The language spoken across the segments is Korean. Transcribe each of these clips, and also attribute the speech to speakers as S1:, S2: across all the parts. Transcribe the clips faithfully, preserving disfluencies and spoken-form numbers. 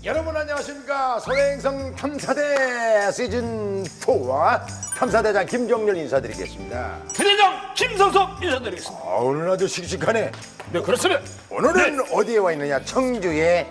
S1: 여러분 안녕하십니까. 소행성 탐사대 시즌 사와 탐사대장 김종렬 인사드리겠습니다.
S2: 부대장 김성석 인사드리겠습니다.
S1: 아, 오늘 아주 씩씩하네.
S2: 네, 그렇습니다.
S1: 오늘은 네. 어디에 와 있느냐? 청주의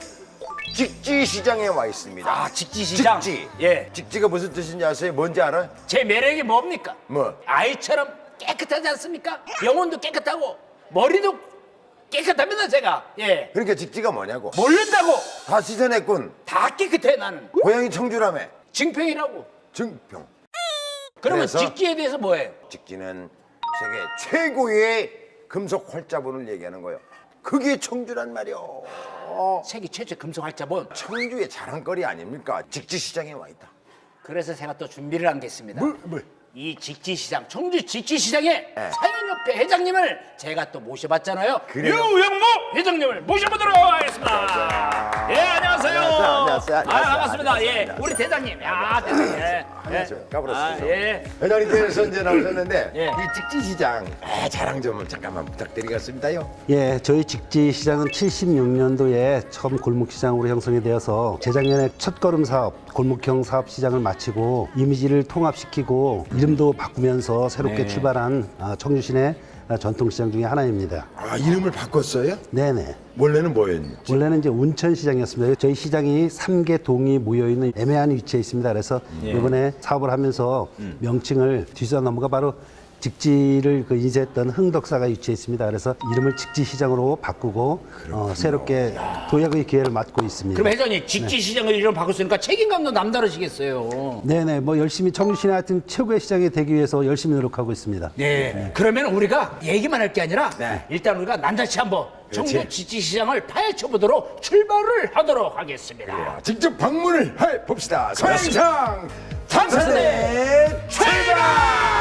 S1: 직지시장에 와 있습니다.
S2: 아, 직지시장?
S1: 직지.
S2: 예.
S1: 직지가 무슨 뜻인지 아세요? 뭔지 알아?
S2: 제 매력이 뭡니까?
S1: 뭐?
S2: 아이처럼 깨끗하지 않습니까? 영혼도 깨끗하고 머리도 깨끗합니다, 제가. 예.
S1: 그러니까 직지가 뭐냐고.
S2: 모른다고
S1: 다 씻어냈군.
S2: 다 깨끗해, 나는.
S1: 고향이 청주라며.
S2: 증평이라고.
S1: 증평.
S2: 그러면
S1: 그래서?
S2: 직지에 대해서 뭐예요?
S1: 직지는 세계 최고의 금속 활자본을 얘기하는 거예요. 그게 청주란 말이요.
S2: 세계 최초 금속 활자본.
S1: 청주의 자랑거리 아닙니까? 직지시장에 와 있다.
S2: 그래서 제가 또 준비를 한 게 있습니다.
S1: 뭐, 뭐.
S2: 이 직지시장, 청주 직지시장의
S1: 네.
S2: 사연협회 회장님을 제가 또 모셔봤잖아요.
S1: 그래요?
S2: 유영모 회장님을 모셔보도록 하겠습니다. 예, 안녕하세요.
S1: 안녕하세요, 안녕하세요,
S2: 아,
S1: 안녕하세요,
S2: 반갑습니다.
S1: 안녕하세요,
S2: 예,
S1: 안녕하세요.
S2: 우리 대장님. 야, 대장님. 예.
S1: 안녕하세요.
S2: 아,
S1: 까불었어요.
S2: 예.
S1: 회장님께서 이제 나오셨는데
S2: 예.
S1: 이 직지시장 아, 자랑 좀 잠깐만 부탁드리겠습니다요.
S3: 예, 저희 직지시장은 칠십육 년도에 처음 골목시장으로 형성이 되어서 재작년에 첫걸음 사업, 골목형 사업 시장을 마치고 이미지를 통합시키고 이름도 바꾸면서 새롭게
S2: 네.
S3: 출발한 아, 청주시내 아, 전통시장 중에 하나입니다.
S1: 아, 이름을 바꿨어요?
S3: 네네.
S1: 원래는 뭐였는지?
S3: 원래는 이제 운천시장이었습니다. 저희 시장이 삼 개 동이 모여있는 애매한 위치에 있습니다. 그래서 이번에 사업을 하면서 명칭을 뒤져 넘어가 바로 직지를 그 인쇄했던 흥덕사가 위치해 있습니다. 그래서 이름을 직지시장으로 바꾸고 어, 새롭게 도약의 기회를 맞고 있습니다.
S2: 그럼 회장님, 직지시장을 이름 바꿨으니까 책임감도 남다르시겠어요.
S3: 네네, 뭐 열심히 청주시내 하여튼 최고의 시장이 되기 위해서 열심히 노력하고 있습니다.
S2: 네. 그러면 우리가 얘기만 할 게 아니라
S1: 네.
S2: 일단 우리가 난다시 한번
S1: 그렇지.
S2: 청주 직지시장을 파헤쳐보도록 출발을 하도록 하겠습니다.
S1: 직접 방문을 해 봅시다. 소행성 탐사대 출발!